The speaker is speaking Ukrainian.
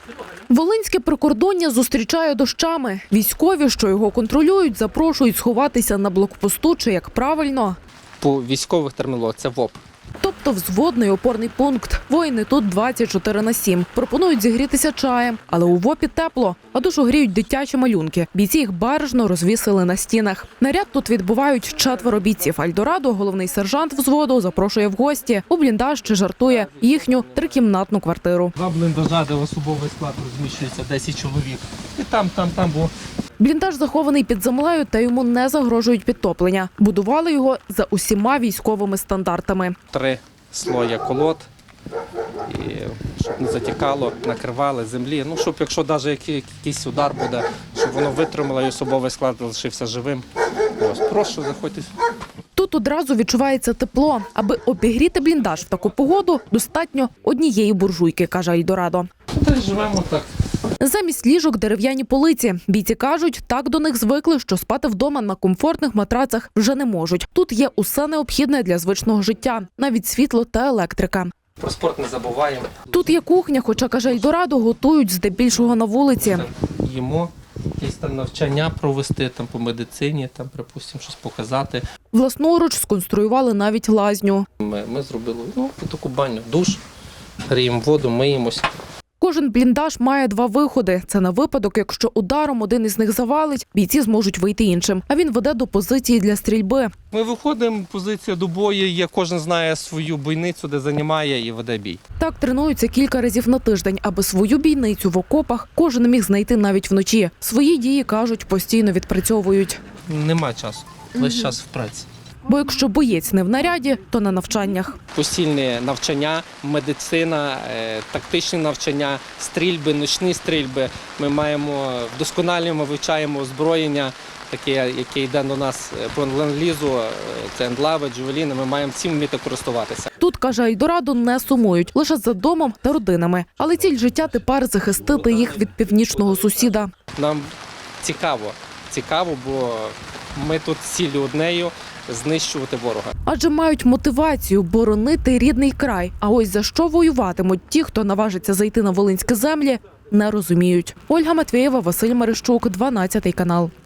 Волинське прикордоння зустрічає дощами. Військові, що його контролюють, запрошують сховатися на блокпосту чи, як правильно, По військових термінологіях це ВОП. тобто взводний опорний пункт. Воїни тут 24/7. Пропонують зігрітися чаєм, але у ВОПі тепло, а душу гріють дитячі малюнки. Бійці їх бережно розвісили на стінах. Наряд тут відбувають 4 бійців. Альдорадо, головний сержант взводу, запрошує в гості. У бліндаж чи жартує їхню 3-кімнатну квартиру. 2 бліндажа, де особовий склад розміщується 10 чоловік. І там, бо Бліндаж захований під землею та йому не загрожують підтоплення. Будували його за усіма військовими стандартами. 3 слоя колод, і щоб не затікало, накривали землі. Ну, щоб якщо навіть якийсь удар буде, щоб воно витримало і особовий склад залишився живим. Ось, прошу, заходьте. Тут одразу відчувається тепло. Аби обігріти бліндаж в таку погоду, достатньо однієї буржуйки, каже Альдорадо. та й живемо так. Замість ліжок дерев'яні полиці. Бійці кажуть, так до них звикли, що спати вдома на комфортних матрацах вже не можуть. Тут є усе необхідне для звичного життя, навіть світло та електрика. Про спорт не забуваємо. Тут є кухня, хоча, каже Ельдорадо, готують здебільшого на вулиці. Їмо, якісь там навчання провести там, по медицині, там, припустимо, щось показати. Власноруч сконструювали навіть лазню. Ми зробили таку баню, душ, гріємо воду, миємось. Кожен бліндаж має 2 виходи. Це на випадок, якщо ударом один із них завалить, бійці зможуть вийти іншим. А він веде до позиції для стрільби. Ми виходимо, позиція до бою є, кожен знає свою бійницю, де займає і веде бій. Так тренуються кілька разів на тиждень, аби свою бійницю в окопах кожен міг знайти навіть вночі. Свої дії, кажуть, постійно відпрацьовують. Нема часу, весь час в праці. Бо якщо боєць не в наряді, то на навчаннях. Постільне навчання, медицина, тактичні навчання, стрільби, ночні стрільби. Ми вдосконалюємо, вивчаємо озброєння, таке, яке йде до нас по ленд-лізу, це ендлави, джувеліни, ми маємо цим вміти користуватися. Тут, каже Ельдорадо, не сумують, лише за домом та родинами. Але ціль життя тепер захистити їх від північного сусіда. Нам цікаво, бо ми тут з ціллю однею – знищувати ворога. Адже мають мотивацію боронити рідний край. А ось за що воюватимуть ті, хто наважиться зайти на волинські землі, не розуміють. Ольга Матвєєва, Василь Мерещук, 12 канал.